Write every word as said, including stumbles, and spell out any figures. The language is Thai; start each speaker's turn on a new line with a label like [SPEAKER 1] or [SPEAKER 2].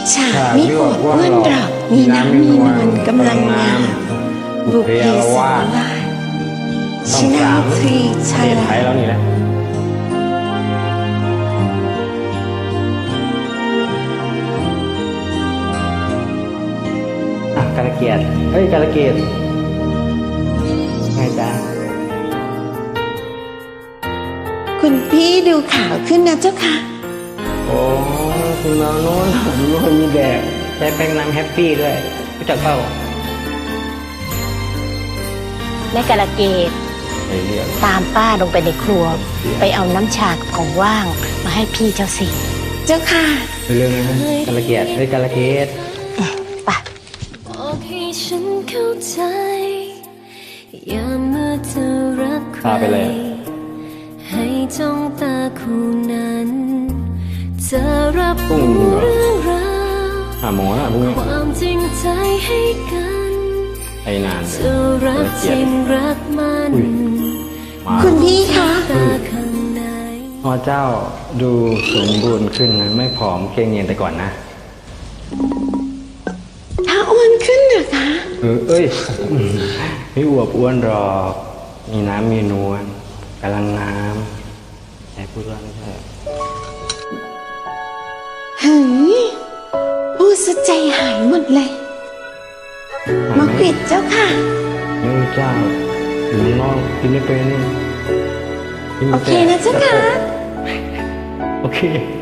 [SPEAKER 1] ฉากไม่อวดอ้วนหรอกมีน้ำมีนวลกำลังงามบุพเพสันนิวาสชนะทรีชา
[SPEAKER 2] เทศไทยแล้วนี่แหละอ่ะกาลเกียรติเฮ้ยกาลเกียรติไงจ๊ะ
[SPEAKER 1] คุณพี่ดูขาวขึ้นนะเจ้าค่ะ
[SPEAKER 2] โอ้คุณน้องโน้นผมรู้ว่ามีแดดใช้แป้งน้ำแฮปปี้ด้วยรู้จักเปล่า
[SPEAKER 3] แม่กาลเกต
[SPEAKER 2] ไอ้เรื่อง
[SPEAKER 3] ตามป้าลงไปในครัว ไปเอาน้ำชาของว่างมาให้พี่เจ้าสิ
[SPEAKER 1] เจ้าค่ะ
[SPEAKER 2] เรื่องนะกาลเกียรติเฮ้ยกาลเกียรติ
[SPEAKER 3] ไป
[SPEAKER 4] บอกให้ฉันเข้าใจอย่าเมื่อเธอรักใคร
[SPEAKER 2] พาไปเลย
[SPEAKER 4] ให้จ้องตาคู่นั้นจะรับ
[SPEAKER 2] พรุ่ง
[SPEAKER 4] รู้
[SPEAKER 2] นี้เหรอ
[SPEAKER 4] เรื่องราว
[SPEAKER 2] หาหมอนะพรุ่งนี้
[SPEAKER 4] ความจริงใจให้กัน
[SPEAKER 2] ไอ้นานเลย
[SPEAKER 4] จะรักจริงรักมัน
[SPEAKER 2] อุ้ยมา
[SPEAKER 1] คุณพี่คะ
[SPEAKER 4] ตาข้างใน
[SPEAKER 2] พ่อเจ้าดูสมบูรณ์ขึ้นนะไม่ผอมเกรงเงียนแต่ก่อนนะ
[SPEAKER 1] ถ้าอ้วนขึ้นเหรอคะ
[SPEAKER 2] เออเอ้ย ไม่อวบอ้วนหรอกมีน้ำมีนวลกำลังงามไอ้พูดว่าไม่ใช่
[SPEAKER 1] เฮ้ยพูดซะใจหายหมดเลยมะกริดเจ้าค่ะ
[SPEAKER 2] ไม่รู้เจ้าหรือน้องกินไม่เป็นกิน
[SPEAKER 1] โอ
[SPEAKER 2] ไม่
[SPEAKER 1] เค
[SPEAKER 2] ป็
[SPEAKER 1] นะเจ้าค่ะ
[SPEAKER 2] โอเค